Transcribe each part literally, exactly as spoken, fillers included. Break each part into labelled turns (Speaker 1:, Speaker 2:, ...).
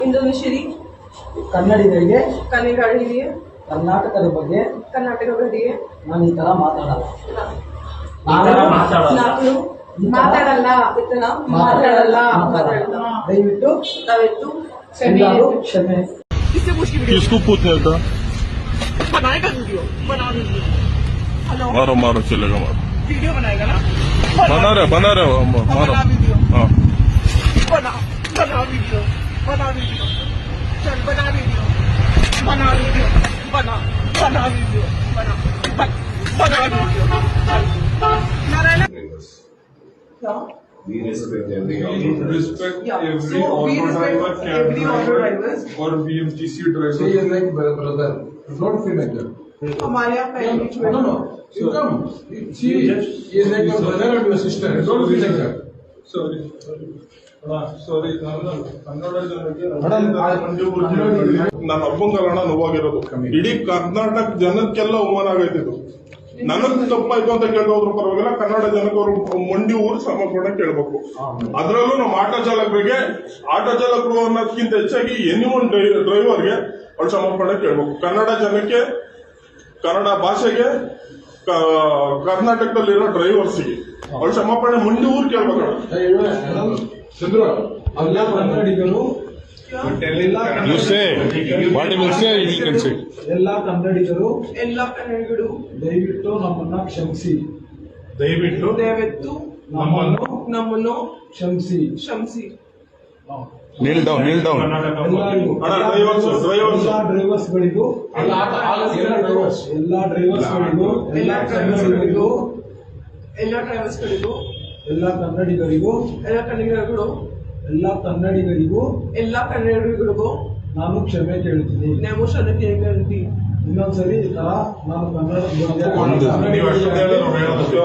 Speaker 1: ಇಂಡೋನೇಷಿಯರಿ
Speaker 2: ಕನ್ನಡಿಗರಿಗೆ
Speaker 1: ಕನ್ನಡಿಗರಿಗೆ
Speaker 2: ಕರ್ನಾಟಕದ ಬಗ್ಗೆ
Speaker 1: ಕರ್ನಾಟಕ ಬಗ್ಗೆ
Speaker 2: ನಾನು ಈ ತರ ಮಾತಾಡಲ್ಲ.
Speaker 1: ನಾನು ಮಾತಾಡಲ್ಲ ಇತನ ಮಾತಾಡಲ್ಲ ಮಾತಾಡಲ್ಲ
Speaker 2: ದಯವಿಟ್ಟು
Speaker 1: ದಯವಿಟ್ಟು
Speaker 2: ಎಲ್ಲರೂ ಕ್ಷಮೆ.
Speaker 3: किसको पूछने था?
Speaker 1: बनाएगा वीडियो बना वीडियो हेलो
Speaker 3: मारो मारो चलेगा मारो
Speaker 1: वीडियो बनाएगा ना
Speaker 3: बना रहे बना रहे हम मारो
Speaker 1: बना वीडियो
Speaker 3: हाँ
Speaker 1: बना बना वीडियो बना वीडियो चल बना वीडियो बना वीडियो बना बना वीडियो बना बना वीडियो नारायण क्या
Speaker 4: We respect every
Speaker 5: We
Speaker 4: auto
Speaker 5: respect
Speaker 1: Yeah.
Speaker 5: every
Speaker 1: So, we
Speaker 5: auto
Speaker 1: respect
Speaker 5: driver, cab
Speaker 1: every auto
Speaker 5: driver,
Speaker 1: drivers.
Speaker 5: or B M T C driver.
Speaker 6: So he is like bro- brother. Don't feel like that.
Speaker 1: हमारे यहाँ family
Speaker 6: No, no, no. You come. See, he is like your brother or your sister. Don't feel like that.
Speaker 5: Sorry, sorry. Sorry Kannada ಜನಕ್ಕೆ
Speaker 6: Madam,
Speaker 5: ನನ್ನ ಅಪ್ಪಂಗಲ್ಲ ನೋವಾಗಿರೋದು ಇಡೀ ಕರ್ನಾಟಕ ಜನಕ್ಕೆಲ್ಲ ಅವಮಾನ ಆಗೈತಿದ್ದು. ನನಗ್ ತಪ್ಪಾಯ್ತು ಅಂತ ಕೇಳೋದ್ರ ಪರವಾಗಿಲ್ಲ, ಕನ್ನಡ ಜನಕ್ಕೆ ಅವರು ಮಂಡಿ ಊರು ಸಮರ್ಪಣೆ ಕೇಳಬೇಕು. ಅದರಲ್ಲೂ ನಮ್ಮ ಆಟೋ ಚಾಲಕರಿಗೆ, ಆಟೋ ಚಾಲಕರು ಅನ್ನೋದಕ್ಕಿಂತ ಹೆಚ್ಚಾಗಿ ಎನಿ ಒನ್ ಡ್ರೈವರ್ಗೆ ಅವ್ರು ಸಮರ್ಪಣೆ ಕೇಳಬೇಕು. ಕನ್ನಡ ಜನಕ್ಕೆ, ಕನ್ನಡ ಭಾಷೆಗೆ, ಕರ್ನಾಟಕದಲ್ಲಿರೋ ಡ್ರೈವರ್ಸ್ಗೆ ಅವ್ರು ಸಮರ್ಪಣೆ ಮಂಡಿ ಊರು ಕೇಳ್ಬೇಕು.
Speaker 6: ಚಂದ್ರು, ಎಲ್ಲ ಕನ್ನಡಿಗರು
Speaker 3: you say what you will say you can say
Speaker 2: ಎಲ್ಲ ಕನ್ನಡಿಗರು
Speaker 1: ಎಲ್ಲ ಕನ್ನಡಿಗರು
Speaker 2: ದಯವಿಟ್ಟು ನಮ್ಮನ್ನ ಕ್ಷಮಿಸಿ.
Speaker 5: ದಯವಿಟ್ಟು
Speaker 1: ದಯವಿಟ್ಟು
Speaker 2: ನಮ್ಮನ್ನು
Speaker 1: ನಮ್ಮನ್ನು
Speaker 2: ಕ್ಷಮಿಸಿ.
Speaker 1: ಕ್ಷಮಿಸಿ.
Speaker 3: kneel down kneel down
Speaker 2: ಎಲ್ಲರಿಗೂ
Speaker 5: ಅಣ್ಣ, ಡ್ರೈವರ್ಸ್ ಡ್ರೈವರ್ಸ್
Speaker 2: ಎಲ್ಲ ಡ್ರೈವರ್ಸ್ಗಳಿಗೂ
Speaker 6: ಎಲ್ಲ ಎಲ್ಲ drivers.
Speaker 2: ಎಲ್ಲ ಡ್ರೈವರ್ಸ್ಗಳಿಗೂ
Speaker 1: ಎಲ್ಲ ಡ್ರೈವರ್ಸ್ಗಳಿಗೂ ಎಲ್ಲ ಡ್ರೈವರ್ಸ್ಗಳಿಗೂ
Speaker 2: ಎಲ್ಲ ಕನ್ನಡಿಗರಿಗೂ
Speaker 1: ಎಲ್ಲ ಕನ್ನಡಿಗರು
Speaker 2: ಎಲ್ಲ ಕನ್ನಡಿಗರಿಗೂ
Speaker 1: ಎಲ್ಲ ಕನ್ನಡಿಗರಿಗೂ
Speaker 2: ನಾನು ಕ್ಷಮೆ ಕೇಳ್ತೀನಿ.
Speaker 1: ನಾವು ಕ್ಷಮೆ ಕೇಳ್ತೀವಿ.
Speaker 2: ಇನ್ನೊಂದ್ಸರಿ ಈ ತರ ನಾನು ಕನ್ನಡ
Speaker 3: ಒಂದು
Speaker 5: ನೀವು ಅಷ್ಟೊಂದು ಹೇಳಿದ್ರೆ ನಾವು ಹೇಳೋದು.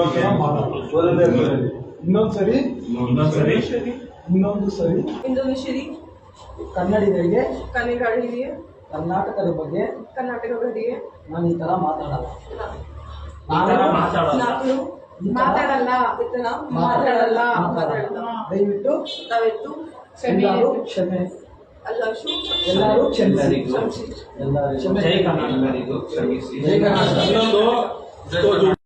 Speaker 2: ಇನ್ನೊಂದ್ಸರಿ
Speaker 1: ಇಂಡೋನೇಷಿಯರಿ
Speaker 2: ಇನ್ನೊಂದು ಸರಿ
Speaker 1: ಇಂಡೋನೇಷಿಯರಿ
Speaker 2: ಕನ್ನಡಿಗರಿಗೆ
Speaker 1: ಕನ್ನಡಿಗರಿಗೆ
Speaker 2: ಕರ್ನಾಟಕದ ಬಗ್ಗೆ
Speaker 1: ಕರ್ನಾಟಕ ಬಗ್ಗೆ
Speaker 2: ನಾನು ಈ ತರ ಮಾತಾಡಲ್ಲ.
Speaker 1: ನಾನು ಮಾತಾಡಲ್ಲ ಇತನ ಮಾತಾಡಲ್ಲ ಮಾತಾಡಲ್ಲ
Speaker 2: ದಯವಿಟ್ಟು
Speaker 1: ದಯವಿಟ್ಟು
Speaker 2: ಎಲ್ಲರೂ ಕ್ಷಮೆ.
Speaker 1: ಎಲ್ಲರೂ
Speaker 2: ಎಲ್ಲರೂ ಕ್ಷಮಿಸಿ.
Speaker 1: ಕ್ಷಮಿಸಿ.
Speaker 2: ಎಲ್ಲರೂ ಕ್ಷಮೆ.
Speaker 4: ಜೈ ಕರ್ನಾಟಕರಿಗೂ ಕ್ಷಮಿಸಿ.
Speaker 2: ಜೈ ಕರ್ನಾಟಕ.